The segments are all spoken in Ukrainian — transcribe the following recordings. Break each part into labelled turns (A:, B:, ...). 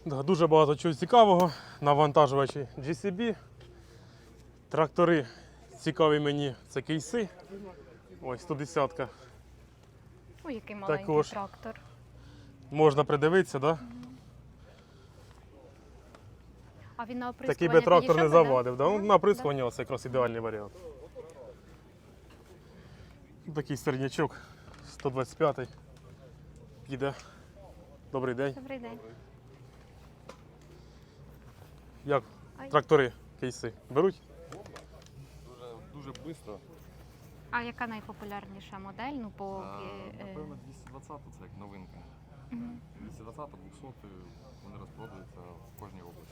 A: Да, дуже багато чого цікавого. Навантажувачі GCB. Трактори цікаві мені, це кейси. Ось 110-ка.
B: Ой, який маленький
A: Також
B: трактор.
A: можна придивитися, так? Да?
B: А він на оприскування
A: Такий би трактор не
B: підійшов би,
A: завадив. Да? Ну, на оприскування це якраз ідеальний варіант. Такий середнячок, 125-й. Піде. Добрий день.
B: Добрий день.
A: Як трактори, кейси беруть?
C: Дуже швидко.
B: А яка найпопулярніша модель? Ну,
C: Напевно, 220 це як новинка. 220, 200 вони розпродаються в кожній області.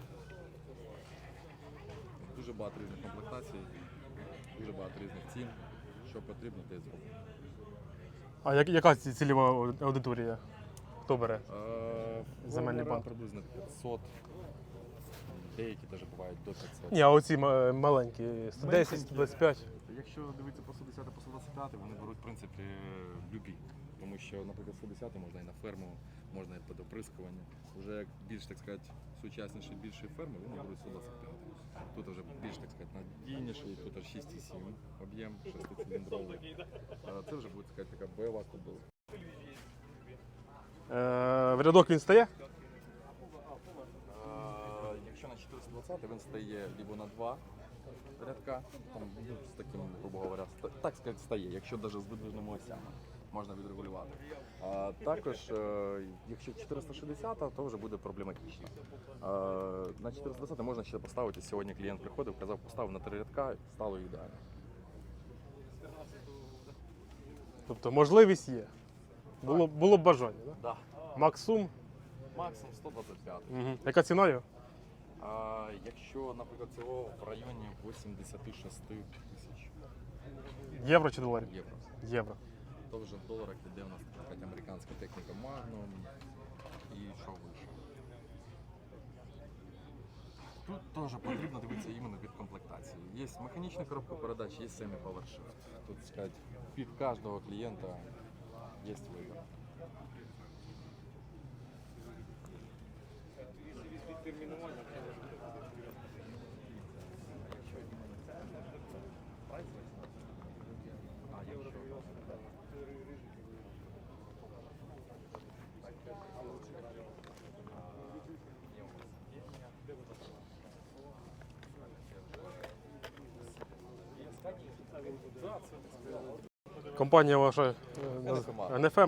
C: Дуже багато різних комплектацій, дуже багато різних цін. Що потрібно, те й зробимо.
A: А яка цільова аудиторія? Хто бере? Земельний банк.
C: Приблизно 500. Деякі навіть бувають до 500.
A: Ні, а оці маленькі, 110, 125.
C: Якщо дивитися по 110, по 125, вони беруть, в принципі, любі. Тому що, наприклад, 110 можна і на ферму, можна і під оприскування. Вже як більш, так сказати, сучасніші, більші ферми, вони беруть 125. Тут вже більш, так сказати, надійніший, тут аж 6,7 об'єм, 6-циліндровий. Це вже буде, так сказати, така бойова кобила.
A: В рядок він стає?
C: Якщо на 420 він стає либо на 2 рядка, там, ну, з таким, грубо говоря, так сказати, стає, якщо навіть з видвижними осями можна відрегулювати. А також, якщо 460, то вже буде проблематично. На 420 можна ще поставити, сьогодні клієнт приходив, казав, поставив на 3 рядка, стало ідеально.
A: Тобто можливість є. Було б бажання, так?
C: Да.
A: Максум.
C: Максимум 125.
A: Угу. Яка ціна його?
C: Якщо, наприклад, цього в районі 86 тисяч
A: Євро чи доларів?
C: євро.
A: Євро.
C: То вже в доларах іде у нас така американська техніка Magnum і що вище. Тут теж потрібно дивитися іменно від комплектації. Є механічна коробка передач, є semi-power shift. Тут, сказати, під кожного клієнта є вибір.
A: Компанія ваша НФМ?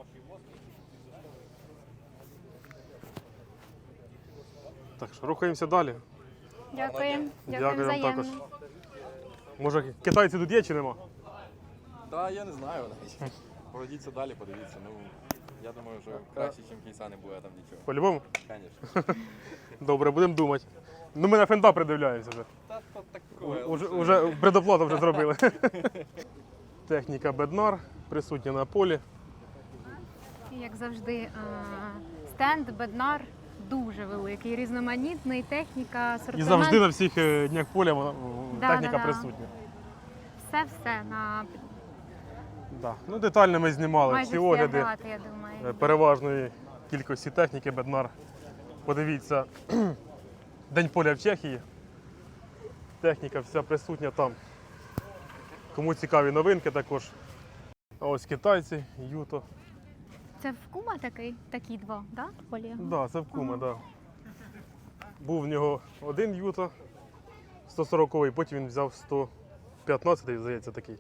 A: Так що рухаємося далі.
B: Дякуємо.
A: Дякую вам також.
B: Взаємно.
A: Може китайці тут є чи нема?
C: Так, я не знаю навіть. Пройдіться далі, подивіться. Ну, я думаю, що краще, ніж кейса не буде там нічого.
A: По-любому?
C: Звісно.
A: Добре, будемо думати. Ну ми на фенда придивляємося вже.
C: Та то таке.
A: Уже предоплату вже зробили. Техніка Bednar присутня на полі.
B: Як завжди, стенд Bednar дуже великий, різноманітний, техніка, асортимент.
A: І завжди на всіх днях поля техніка
B: да.
A: присутня.
B: Все на
A: Да. Ну, детально ми знімали
B: майже
A: всі
B: всі
A: огляди
B: агрегати, я думаю.
A: переважної кількості техніки Bednar. Подивіться, День поля в Чехії. Техніка вся присутня там. Кому цікаві новинки також. А ось китайці, Юто.
B: Це в Кума такі два, да? Полі?
A: Так, да, це в Кума, да. Був в нього один Юто 140-й, потім він взяв 115-й, здається, такий.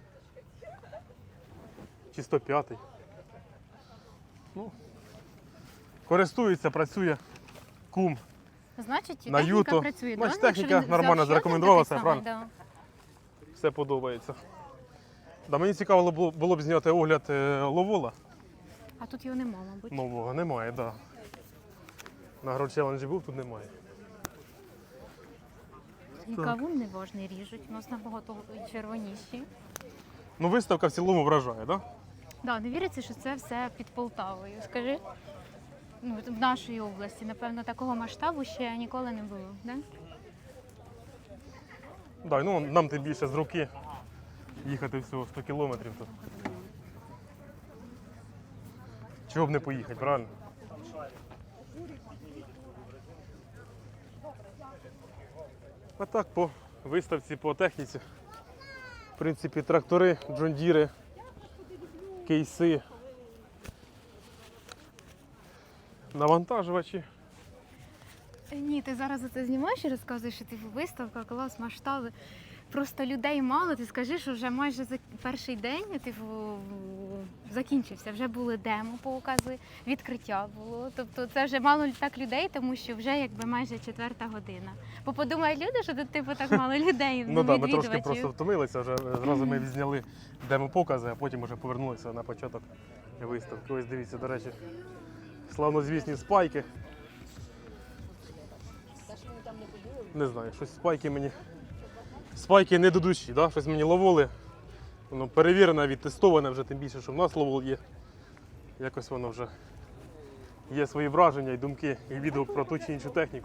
A: Чи 105-й. Ну, користується, працює Кум
B: Значить,
A: на
B: техніка
A: Юто.
B: працює.
A: Значить,
B: да? Якщо
A: техніка
B: він
A: нормально
B: взяв ще
A: зарекомендувала
B: один
A: себе,
B: такий
A: правильно?
B: самий, да.
A: Все подобається. Да, мені цікаво було б зняти огляд Ловола.
B: А тут його нема, мабуть.
A: Нового немає, так. Да. На Агрочеленджі був, тут немає.
B: І кавун неважний ріжуть, у нас набагато червоніші.
A: Ну, виставка в цілому вражає, так? Да?
B: Да, не віриться, що це все під Полтавою. Скажи, ну, в нашій області, напевно, такого масштабу ще ніколи не було, да?
A: Да, ну, нам тим більше з руки їхати всього 100 кілометрів. То. Чого б не поїхати, правильно? А так по виставці, по техніці. В принципі, трактори, джондіри, кейси, навантажувачі.
B: Ні, ти зараз це знімаєш і розказуєш, що типу виставка, клас, масштаби. Просто людей мало, ти скажи, що вже майже за перший день типу, закінчився. Вже були демо-покази, відкриття було. Тобто це вже мало так людей, тому що вже якби майже 4-та година. Бо подумають люди, що тут типу так мало людей,
A: Ну так, ми трошки
B: відвідувачів.
A: просто втомилися, вже зразу ми відзняли демо-покази, а потім вже повернулися на початок виставки. Ось дивіться, до речі, славнозвісні спайки. Не знаю, щось спайки мені. Спайки не до душі, да? Щось мені ловоли. Воно перевірене, відтестоване вже, тим більше, що в нас ловол є. Якось воно вже є свої враження і думки, і відгук про ту чи іншу техніку.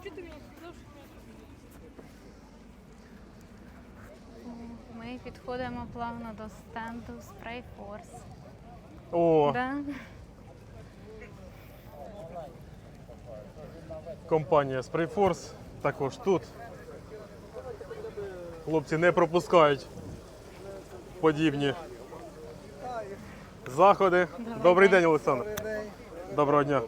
B: Ми підходимо плавно до стенду Spray Force.
A: О,
B: Да?
A: компанія Sprayforce також тут. Хлопці не пропускають подібні заходи. Добрий день, Олександр. Доброго дня.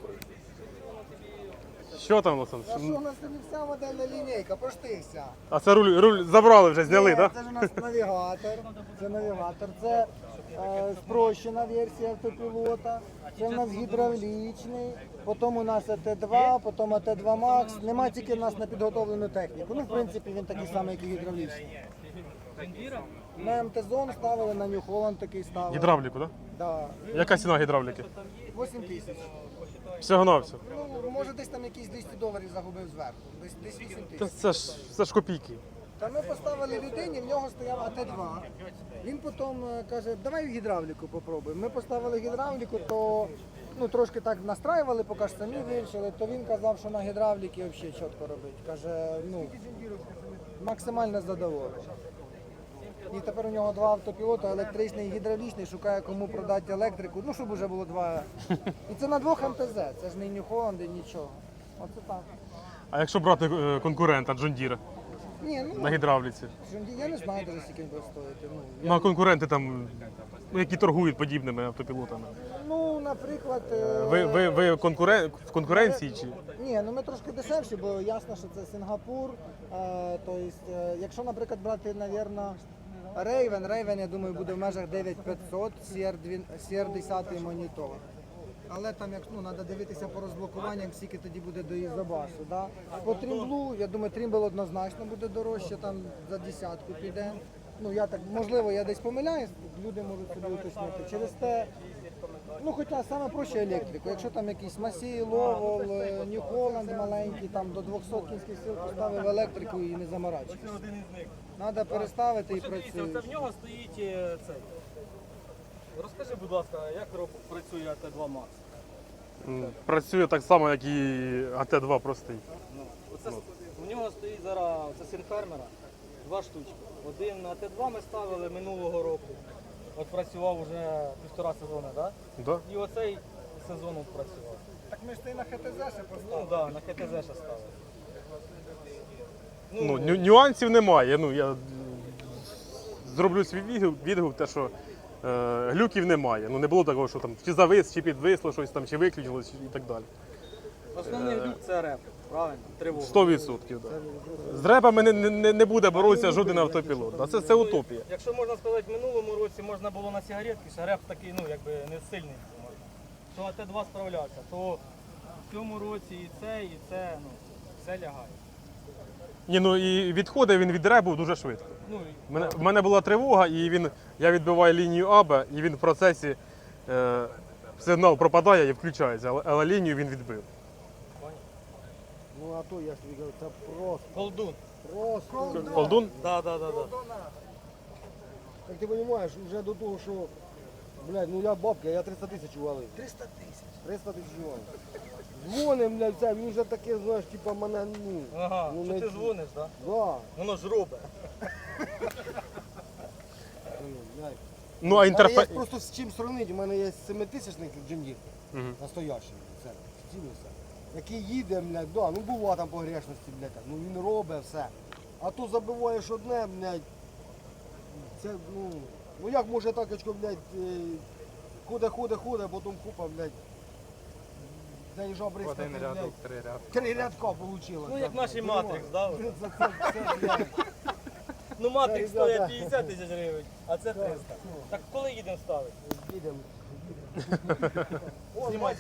A: Що там, Олександр?
D: А що у нас не вся модельна лінійка, поштися.
A: А це руль забрали вже, зняли, так?
D: Це ж у нас навігатор. Це навігатор. Це спрощена версія автопілота. Це у нас гідравлічний. Потім у нас АТ-2, потім АТ-2 Max. Нема тільки у нас на підготовлену техніку. Ну, в принципі, він такий самий, як і гідравлічний. На МТ-зон ставили, на New Holland такий ставили.
A: Гідравліку, так?
D: Да.
A: Яка ціна гідравліки?
D: 8 тисяч.
A: Всього на все.
D: Ну, може десь там якісь $200 загубив зверху. Десь 8
A: Та
D: тисяч.
A: це ж копійки.
D: Та ми поставили людині, в нього стояв АТ-2. Він потім каже, давай гідравліку попробуємо. Ми поставили гідравліку, то ну, трошки так настраювали, поки ж самі вирішили, то він казав, що на гідравліки взагалі чітко робить. Каже, ну, максимально задоволений. І тепер у нього 2 автопілоти, електричний і гідравлічний, шукає кому продати електрику, ну щоб вже було 2. І це на 2 МТЗ, це ж не New Holland, нічого. Оце так.
A: А якщо брати конкурента Джондіра
D: Ні, ну,
A: на гідравліці?
D: я не знаю, де скільки він буде стоїти. Ну,
A: Ну а конкуренти там, які торгують подібними автопілотами.
D: ну, наприклад...
A: Ви в конкуренції чи?
D: Ні, ну ми трошки дешевші, бо ясно, що це Сингапур. Тобто, якщо, наприклад, брати, напевно, Raven, я думаю, буде в межах 9500, CR10 монітор. Але там, як ну, треба дивитися по розблокуванням, скільки тоді буде до Ізобасу. Да? По Trimble, я думаю, Trimble однозначно буде дорожче, там за десятку піде. Ну, я так, можливо, я десь помиляюсь, люди можуть собі уточнити. Через те, ну, хоча саме проще електрику. Якщо там якийсь Масій, Ловол, New Holland маленький, там до 200 кінських сил поставив електрику і не заморачуєшся. Треба переставити і
E: Дивіться,
D: працює.
E: це в нього стоїть цей. Розкажи, будь ласка, як працює АТ-2 Max?
A: Працює так само, як і АТ-2 простий.
E: У нього стоїть зараз це синфермера, 2 штучки. Один на АТ-2 ми ставили минулого року. От працював вже 1,5 сезону, так?
A: Да?
E: І оцей сезон от працював.
D: Так ми ж і на ХТЗ ще
E: Ну
D: поставили.
E: так, на ХТЗ ще ставили.
A: Ну, нюансів немає. Ну, я зроблю свій відгук, те, що глюків немає. Ну, не було такого, що там чи завис, чи підвисло щось там, чи виключилось і так далі.
E: Основний глюк це реп, правильно? Тривога.
A: 100%. Да. З репами не буде боротися жоден автопілот. Да. Це утопія.
E: Якщо можна сказати, в минулому році можна було на сигаретки, ще реп такий, ну, якби не сильний. То АТ-2 справлявся, то в цьому році і це, ну, все лягає.
A: Ні, ну і відходить він від репу дуже швидко.
E: Ну,
A: В мене була тривога, і я відбиваю лінію АБ, і він в процесі сигнал пропадає і включається, але лінію він відбив.
D: Ну а то я ж тобі кажу, це просто.
E: Колдун.
D: Просто.
A: Колдун?
E: Да.
F: Як ти розумієш, вже до того, що, блядь, ну я бабка, я 300 тисяч валив.
D: 300 тисяч.
F: 300 тисяч валив. Дзвоним, блядь, це, він вже таке, знаєш, типа мене, ну,
E: Ага,
F: ну,
E: що
F: не-
E: ти дзвониш, так? Да?
F: Да.
E: Воно ж робить.
F: Блядь.
A: Ну, а
F: Але є
A: інтерфейс.
F: просто з чим сравнити, у мене є 7-тисячник джиндір,
A: Мгм.
F: настоящий, це, стілий все. Який їде, блядь, да, ну бува там погрешності, блядь, ну він робить все. А то забиваєш одне, блядь. Це, ну як може так, очко, блядь, худе, потім купа, блядь. Заїжджав бризкати,
C: Один рядок,
F: блядь.
C: 3 рядка.
F: 3 рядка вийшло.
E: Ну, як наш Матрикс, да?
F: Це, блядь.
E: Ну, Матрикс
F: Так, да,
E: стоїть
F: да.
E: 50 тисяч гривень, а це 300. Так коли їдемо ставити?
F: Їдемо.
E: Знімай.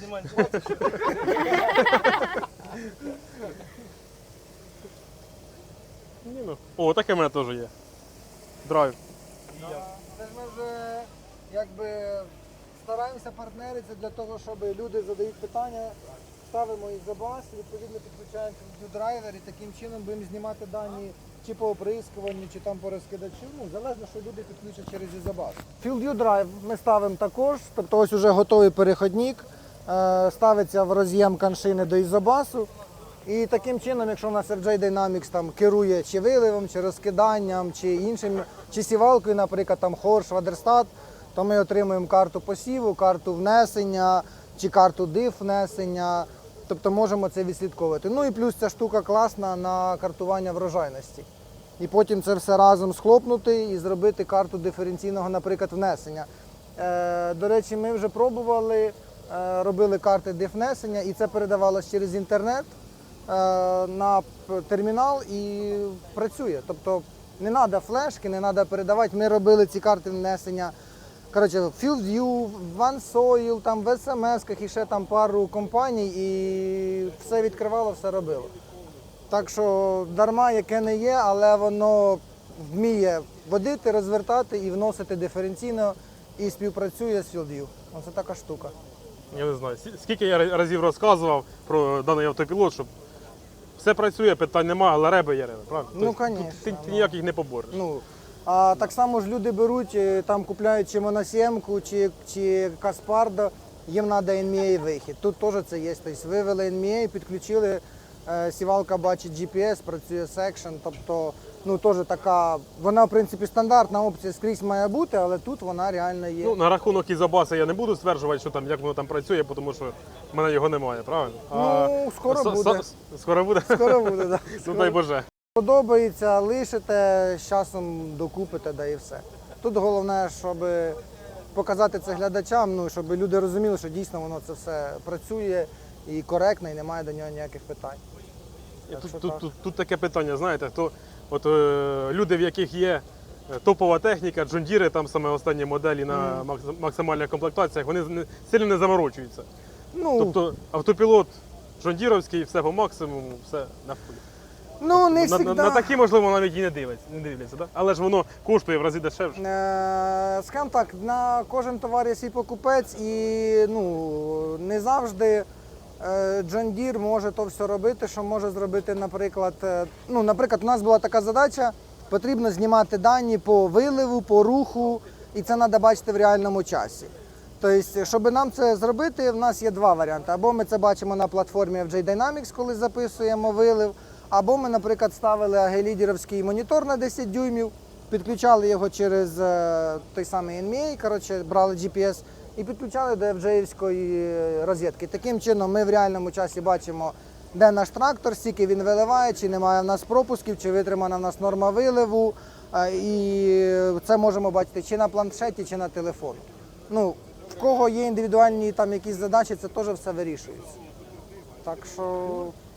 A: Ні, ну. О, таке в мене теж є. Драйв.
D: Це ж ми вже якби стараємося партнеритися для того, щоб люди задають питання, ставимо їх за бас, відповідно підключаємо драйвер і таким чином будемо знімати дані чи по оприскуванню, чи там по розкидачу. Ну, залежно, що люди підключать через Ізобас. FieldView Drive ми ставимо також, тобто ось уже готовий переходник, ставиться в роз'єм коншини до Ізобасу. І таким чином, якщо у нас FJ Dynamics там керує чи виливом, чи розкиданням, чи іншим, чи сівалкою, наприклад, там Хорш, Вадерстат, то ми отримуємо карту посіву, карту внесення, чи карту диф внесення, тобто можемо це відслідковувати. Ну і плюс ця штука класна на картування врожайності. І потім це все разом схлопнути і зробити карту диференційного, наприклад, внесення. До речі, ми вже пробували, робили карти диф-внесення, і це передавалося через інтернет на термінал і працює. Тобто не треба флешки, не треба передавати. Ми робили ці карти внесення. Коротше, FieldView, OneSoil, там в SMS-ках і ще там пару компаній, і все відкривало, все робило. Так що дарма яке не є, але воно вміє водити, розвертати і вносити диференційно і співпрацює з FieldView. Оце така штука.
A: Я не знаю, скільки я разів розказував про даний автопілот, щоб все працює, питань немає, але реби є реби, правильно?
D: Ну,
A: Тобто,
D: конечно,
A: ти ніяких не побореш.
D: Ну, а так само ж люди беруть, там купляють чи моносємку, чи Каспардо, їм треба NMA вихід. Тут теж це є. Тобто вивели NMA, підключили, сівалка бачить GPS, працює секшн, тобто ну, теж така, вона в принципі стандартна опція скрізь має бути, але тут вона реально є.
A: Ну, на рахунок Ізобаса я не буду стверджувати, що там, як воно там працює, тому що в мене його немає, правильно?
D: Ну, скоро буде.
A: Скоро буде?
D: Скоро буде, так.
A: Ну дай Боже.
D: Подобається, лишите, з часом докупите, да і все. Тут головне, щоб показати це глядачам, ну, щоб люди розуміли, що дійсно воно це все працює і коректно, і немає до нього ніяких питань. Так що так.
A: Тут таке питання, знаєте, люди, в яких є топова техніка, джондіри, там саме останні моделі на максимальних комплектаціях, вони сильно не заморочуються.
D: Ну,
A: Тобто автопілот джондіровський, все по максимуму, все на фулі.
D: ну не
A: На
D: завжди.
A: такі, можливо, навіть і не дивляться, да? Але ж воно коштує в рази дешевше.
D: Скажімо так, на кожен товар є свій покупець і ну, не завжди John Deere може то все робити, що може зробити, наприклад, наприклад, у нас була така задача, потрібно знімати дані по виливу, по руху, і це треба бачити в реальному часі. Тобто, щоб нам це зробити, в нас є два варіанти. Або ми це бачимо на платформі FJ Dynamics, коли записуємо вилив, або ми, наприклад, ставили агелідерівський монітор на 10 дюймів, підключали його через той самий NMA, коротше, брали GPS і підключали до FJ-івської розетки. Таким чином ми в реальному часі бачимо, де наш трактор, скільки він виливає, чи немає в нас пропусків, чи витримана в нас норма виливу. І це можемо бачити чи на планшеті, чи на телефоні. Ну, в кого є індивідуальні там якісь задачі, це теж все вирішується. Так що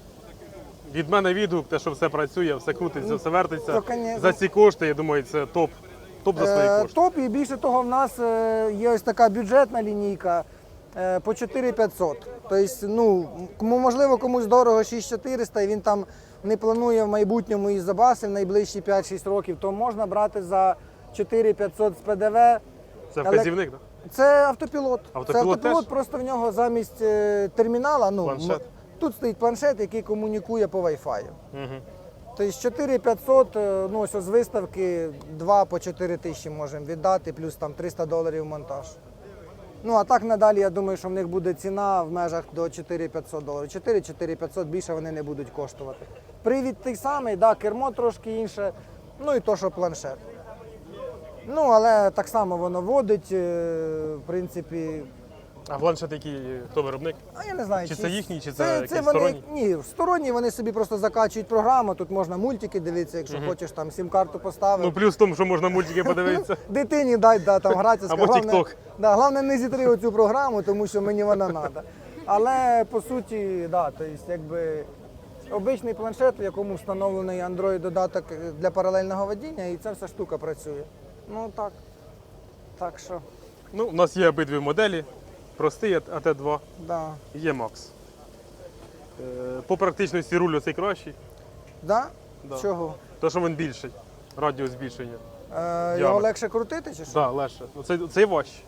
A: Від мене відгук, те, що все працює, все крутиться, все вертиться.
D: то, конечно.
A: За ці кошти, я думаю, це топ. Топ за свої кошти.
D: топ, і більше того, в нас є ось така бюджетна лінійка по 4500. Тобто, ну, можливо, комусь дорого 6400, і він там не планує в майбутньому із Ізобаси в найближчі 5-6 років, то можна брати за 4500 з ПДВ.
A: Це вказівник, так?
D: Це автопілот.
A: Автопілот
D: це автопілот,
A: теж?
D: просто в нього замість термінала,
A: Планшет?
D: тут стоїть планшет, який комунікує по Wi-Fi.
A: Угу.
D: Тобто 4500, ну ось з виставки 2 по 4 тисячі можемо віддати, плюс там $300 монтаж. Ну а так надалі, я думаю, що в них буде ціна в межах до $4500. 4-4500, більше вони не будуть коштувати. Привід той самий, да, кермо трошки інше, ну і то, що планшет. Ну, але так само воно водить, в принципі,
A: А планшет який, хто виробник?
D: А я не знаю,
A: Чи це їхній, чи це якийсь
D: вони,
A: сторонній?
D: Ні, сторонні вони собі просто закачують програму, тут можна мультики дивитися, якщо хочеш там сім-карту поставив.
A: Ну плюс в тому, що можна мультики подивитися.
D: Дитині дай там гратися.
A: Або
D: Головне-
A: TikTok.
D: Да, головне не зітри оцю програму, тому що мені вона треба. Але по суті, да, то есть, якби обичний планшет, в якому встановлений Android-додаток для паралельного водіння, і ця вся штука працює. Ну так. Так що,
A: Ну, у нас є обидві моделі. Простий АТ2
D: да.
A: і є Макс. По практичності руль оцей кращий,
D: Да?
A: Да.
D: Чого?
A: тому що він більший. Радіус збільшення.
D: Його
A: Діаметр.
D: легше крутити чи що?
A: Так, да, легше. Цей важчий.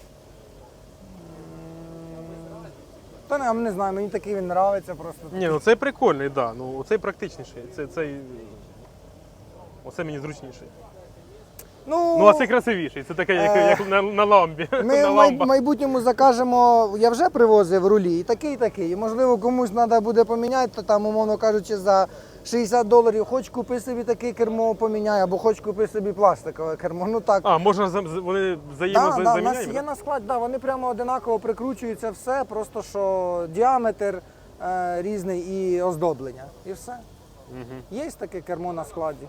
D: Та не, не знаю, мені такий він подобається просто.
A: Ні, ну цей прикольний, так. Да. Ну, цей практичніший. Оце мені зручніший. Ну, а цей красивіший. Це таке, як на ламбі.
D: Ми
A: на
D: в
A: ламбах.
D: майбутньому закажемо, я вже привозив рулі, і такий, і такий. І, можливо, комусь треба буде поміняти, то там, умовно кажучи, за $60 хоч купи собі таке кермо поміняй, або хоч купи собі пластикове кермо. Ну так.
A: А, можна вони
D: Да, да, у нас
A: взаємозаміняємо?
D: є на складі, да, вони прямо одинаково прикручуються все, просто що діаметр різний і оздоблення. І все. Є таке кермо на складі.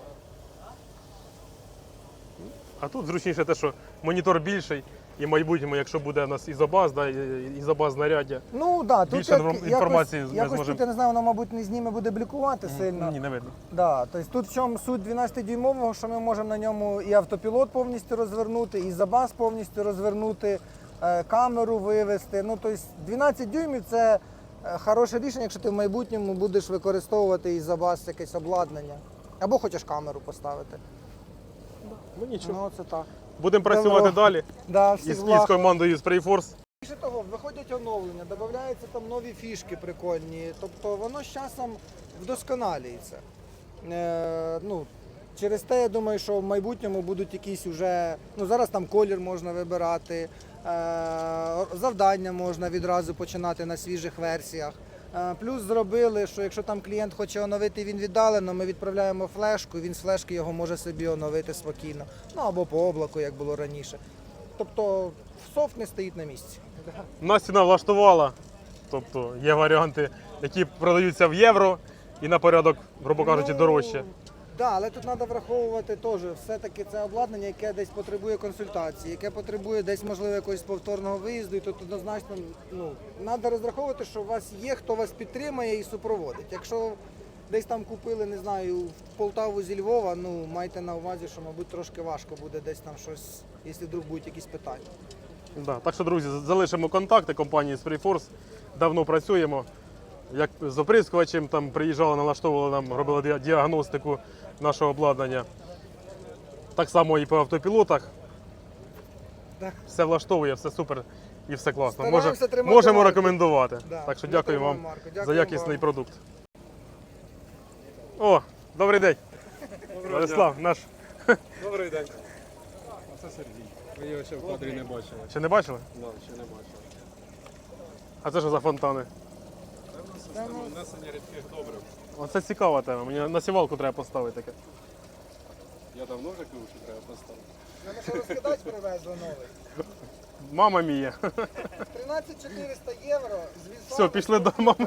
A: А тут зручніше те, що монітор більший, і в майбутньому, якщо буде у нас ізобаз, да, ізобаз знаряддя.
D: Ну да, тут
A: Більше інформації ми
D: якось
A: зможемо.
D: тут, я не знаю, воно, мабуть, не зніме, буде блікувати сильно.
A: Ні, не видно.
D: Да, тобто тут в чому суть 12-дюймового, що ми можемо на ньому і автопілот повністю розвернути, і забаз повністю розвернути, камеру вивести. Ну, тобто 12 дюймів це хороше рішення, якщо ти в майбутньому будеш використовувати і забаз якесь обладнання. Або хочеш камеру поставити.
A: Ну нічого.
D: Ну, це так.
A: Будемо працювати
D: Добро.
A: далі
D: Да, всіх
A: із
D: благ.
A: командою Sprayforce.
D: Більше того, виходять оновлення, додаються там нові фішки прикольні, тобто воно з часом вдосконалюється. Ну, через те, я думаю, що в майбутньому будуть якісь уже, ну зараз там колір можна вибирати, завдання можна відразу починати на свіжих версіях. Плюс зробили, що якщо там клієнт хоче оновити, він віддалено, ми відправляємо флешку, він з флешки його може собі оновити спокійно. Ну або по облаку, як було раніше. Тобто софт не стоїть на місці.
A: Нас ціна влаштувала. Тобто є варіанти, які продаються в євро і на порядок, грубо кажучи, дорожче.
D: Так, але тут треба враховувати теж, все-таки це обладнання, яке десь потребує консультації, яке потребує десь, можливо, якогось повторного виїзду, і тут однозначно треба розраховувати, що у вас є, хто вас підтримає і супроводить. Якщо десь там купили, не знаю, в Полтаву зі Львова, ну майте на увазі, що, мабуть, трошки важко буде десь там щось, якщо вдруг будуть якісь питання.
A: Да. Так що, друзі, залишимо контакти компанії Sprayforce. Давно працюємо. Як з оприскувачем, там приїжджали, налаштовували нам, робили діагностику нашого обладнання. Так само і по автопілотах.
D: Так.
A: Все влаштовує, все супер і все класно.
D: Стараємося тримати
A: Можемо
D: марку.
A: рекомендувати.
D: Да.
A: Так що
D: Ми
A: дякую
D: тримаємо
A: вам
D: марку.
A: за
D: Дякую
A: якісний
D: вам.
A: продукт. О, добрий день. Владислав, наш.
G: Добрий день. А це Сергій. Ви його ще в кадрі не бачили.
A: Ще не бачили?
G: Да, ще не бачили.
A: А це що за фонтани?
G: Це в нас система внесення рідких добрив.
A: Оце цікава тема. Мені на сівалку треба поставити таке.
G: Я давно вже кажу, що треба поставити.
D: Нам що розкидати привезли новий.
A: Мама мія.
D: 13400 євро з візами.
A: Все, пішли до мами.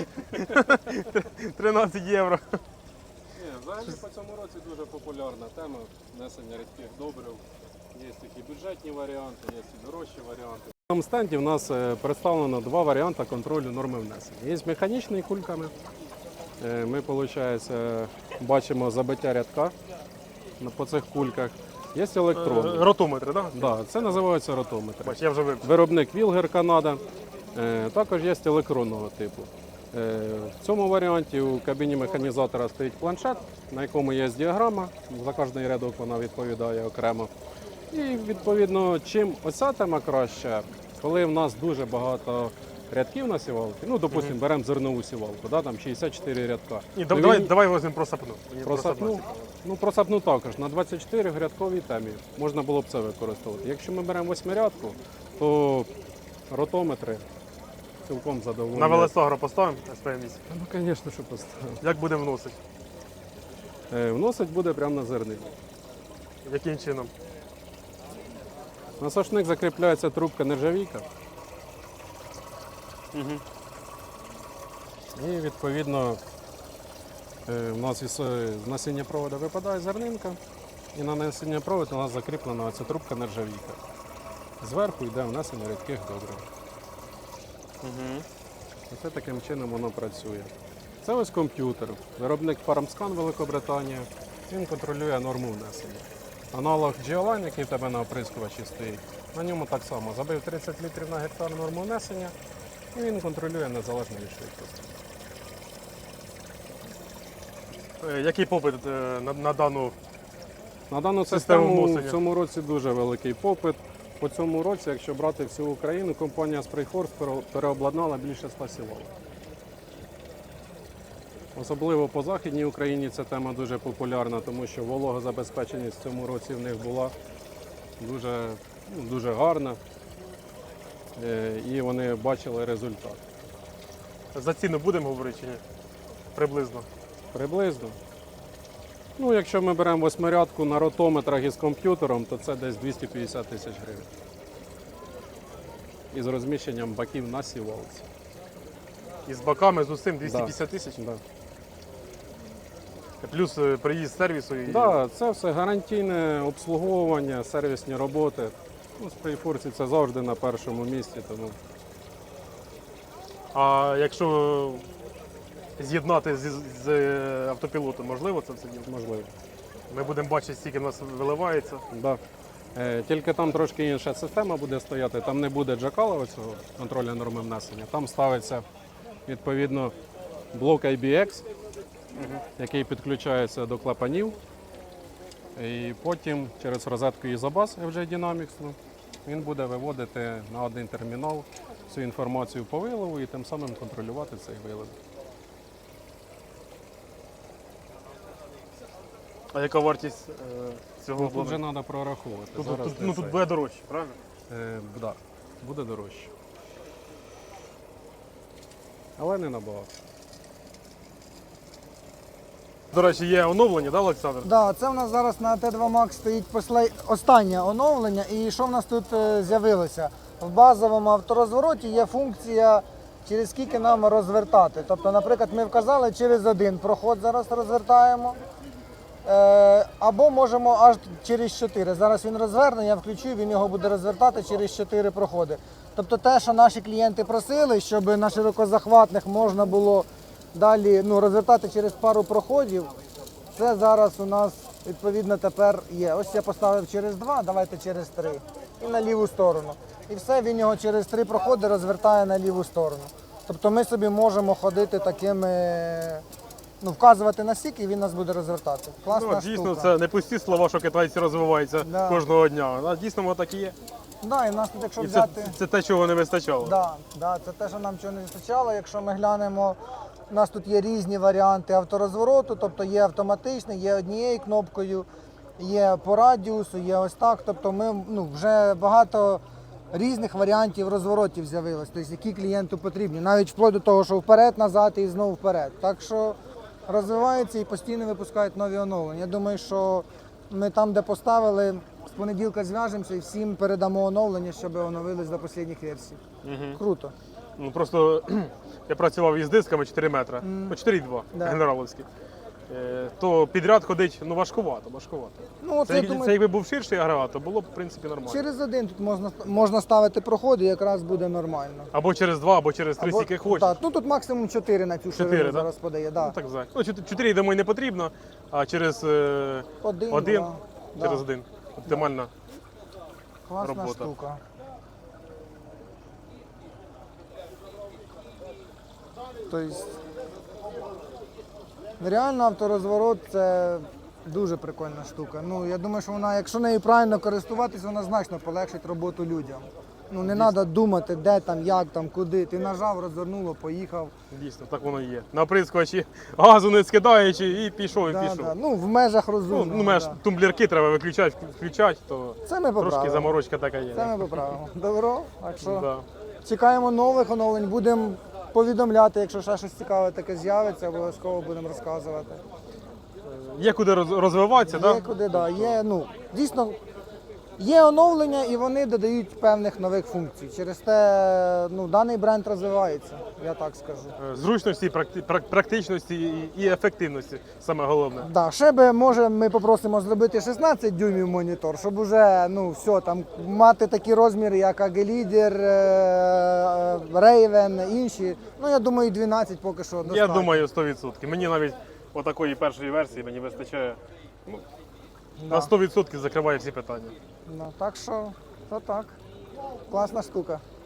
A: 13 євро.
G: Ні, взагалі по цьому році дуже популярна тема внесення рідких добрив. Є такі бюджетні варіанти, є і дорожчі варіанти. На цьому стенді в нас представлено два варіанти контролю норми внесення. Є з механічними кульками. Ми, виходить, бачимо забиття рядка по цих кульках. Є електронні.
A: Ротометри, так?
G: Да, це називається ротометр.
A: Бач, я вже вивчив.
G: Виробник Вілгер Канада. Також є електронного типу. В цьому варіанті у кабіні механізатора стоїть планшет, на якому є діаграма. За кожний рядок вона відповідає окремо. І відповідно, чим оця тема краща, коли в нас дуже багато рядків на сівалці, ну, допустимо, беремо зернову сівалку, да, там 64 рядка.
A: Ні,
G: Ну,
A: давай візьмемо про сапну. Мені про сапну
G: Просапну,
A: цікаво.
G: ну просапну також. На 24 рядковій темі можна було б це використовувати. Якщо ми беремо восьмирядку, то ротометри цілком задоволені.
A: На велосагро поставимо СПМ-8.
G: Ну, звісно, що поставимо.
A: Як буде вносити?
G: Вносить буде прямо на зернині.
A: Яким чином?
G: На сошник закріпляється трубка нержавійка.
A: Угу.
G: І відповідно у нас із насіння проводу випадає зернинка, і на насіння проводу у нас закріплена ця трубка нержавійка. Зверху йде внесення рідких добрив.
A: Угу.
G: Оце таким чином воно працює. Це ось комп'ютер, виробник FarmScan Великобританія. Він контролює норму внесення. Аналог Geoline, який в тебе на оприскувачі стоїть, на ньому так само забив 30 літрів на гектар норму внесення, і він контролює незалежно від швидкості.
A: Який попит на дану?
G: На дану
A: Систему
G: систему
A: вносення.
G: в цьому році дуже великий попит. По цьому році, якщо брати всю Україну, компанія Sprayforce переобладнала більше 100 сілок. Особливо по Західній Україні ця тема дуже популярна, тому що вологозабезпеченість в цьому році в них була дуже гарна. І вони бачили результат.
A: За ціну будемо говорити чи ні? Приблизно.
G: Приблизно. Ну, якщо ми беремо восьмирядку на ротометрах із комп'ютером, то це десь 250 тисяч гривень. Із розміщенням баків на сівалці.
A: І з баками, з усім 250 тисяч?
G: Да.
A: Плюс приїзд сервісу. І...
G: Да, це все гарантійне обслуговування, сервісні роботи. Ну, Sprayforce це завжди на першому місці. Тому...
A: А якщо з'єднати з автопілотом, можливо це все діло?
G: Можливо.
A: Ми будемо бачити, скільки в нас виливається.
G: Да. Тільки там трошки інша система буде стояти, там не буде джакала оцього контролю норми внесення. Там ставиться відповідно блок IBX, який підключається до клапанів. І потім через розетку Isobus FJ Dynamics він буде виводити на один термінал всю інформацію по вилову і тим самим контролювати цей вилов.
A: А яка вартість цього
G: Ну, тут вже
A: обладнання?
G: треба прораховувати.
A: Тут,
G: Зараз
A: тут,
G: не
A: ну, тут
G: це.
A: буде дорожче, правильно?
G: Да, буде дорожче. Але не набагато.
A: До речі, є оновлення, да, Олександр?
D: Да, це в нас зараз на Т2 Max стоїть останнє оновлення. І що в нас тут з'явилося? В базовому авторозвороті є функція, через скільки нам розвертати. Тобто, наприклад, ми вказали, через один проход зараз розвертаємо. Або можемо аж через 4. Зараз він розверне, я включу, він його буде розвертати через 4 проходи. Тобто те, що наші клієнти просили, щоб на широкозахватних можна було далі розвертати через пару проходів, це зараз у нас відповідно тепер є. Ось я поставив через 2, давайте через 3 і на ліву сторону. І все, він його через 3 проходи розвертає на ліву сторону. Тобто ми собі можемо ходити такими, вказувати на сік, і він нас буде розвертати. Класна
A: Ну, дійсно,
D: штука.
A: це не пусті слова, що китайці розвиваються
D: Да.
A: кожного дня. А дійсно воно так і є.
D: Да, і в нас тут, якщо
A: І це,
D: взяти...
A: це те, чого не вистачало.
D: Да, це те, що нам чого не вистачало. Якщо ми глянемо, у нас тут є різні варіанти авторозвороту, тобто є автоматичний, є однією кнопкою, є по радіусу, є ось так. Тобто ми вже багато різних варіантів розворотів з'явилось, тобто які клієнту потрібні, навіть вплоть до того, що вперед-назад і знову вперед. Так що розвивається і постійно випускають нові оновлення. Я думаю, що ми там, де поставили, з понеділка зв'яжемося і всім передамо оновлення, щоб оновились до останніх версій. Круто.
A: Ну, просто я працював із дисками 4 метри, по 4,2
D: Да.
A: генераловські. То підряд ходить
D: Ну,
A: важкувато.
D: от
A: Це,
D: я
A: це
D: думаю,
A: якби був ширший агрегат, то було б в принципі нормально.
D: через один тут можна ставити проходи, і якраз буде нормально.
A: Або через 2, або через 3,
D: Або-
A: скільки хочеш.
D: Так, тут максимум 4 на цю
A: 4,
D: ширину
A: да?
D: зараз подає. Да.
A: Ну, так взагалі. Ну, 4, я думаю, не потрібно, а через
D: Один,
A: один,
D: да.
A: через один. Оптимальна.
D: Класна
A: робота.
D: штука. Тобто, реально авторозворот це дуже прикольна штука. Я думаю, що вона, якщо нею правильно користуватись, вона значно полегшить роботу людям. Не треба думати, де там, як там, куди. Ти нажав, розвернуло, поїхав.
A: Дійсно, так воно і є. На оприскувачі газу не скидаючи і пішов, і пішов.
D: Да. В межах розумного.
A: Меж
D: да.
A: тумблерки треба виключати, включати, то
D: Це ми
A: трошки
D: поправимо.
A: заморочка така є.
D: Це ми поправимо. Добро? Так що
A: Да.
D: чекаємо нових оновлень, будемо повідомляти, якщо ще щось цікаве таке з'явиться, обов'язково будемо розказувати.
A: Є куди розвиватися,
D: Є
A: так?
D: куди, да. Є, дійсно, Є оновлення і вони додають певних нових функцій. Через те даний бренд розвивається, я так скажу.
A: Зручності, практичності і ефективності саме головне.
D: Да, ще би, може, ми попросимо зробити 16 дюймів монітор, щоб уже все, там, мати такі розміри, як AG-Leader, Raven, інші. Я думаю, 12 поки що достатньо.
A: Я думаю, 100%. Мені навіть отакої першої версії мені вистачає.
D: Да.
A: На 100% закриває всі питання.
D: Так що, то так. Класна штука.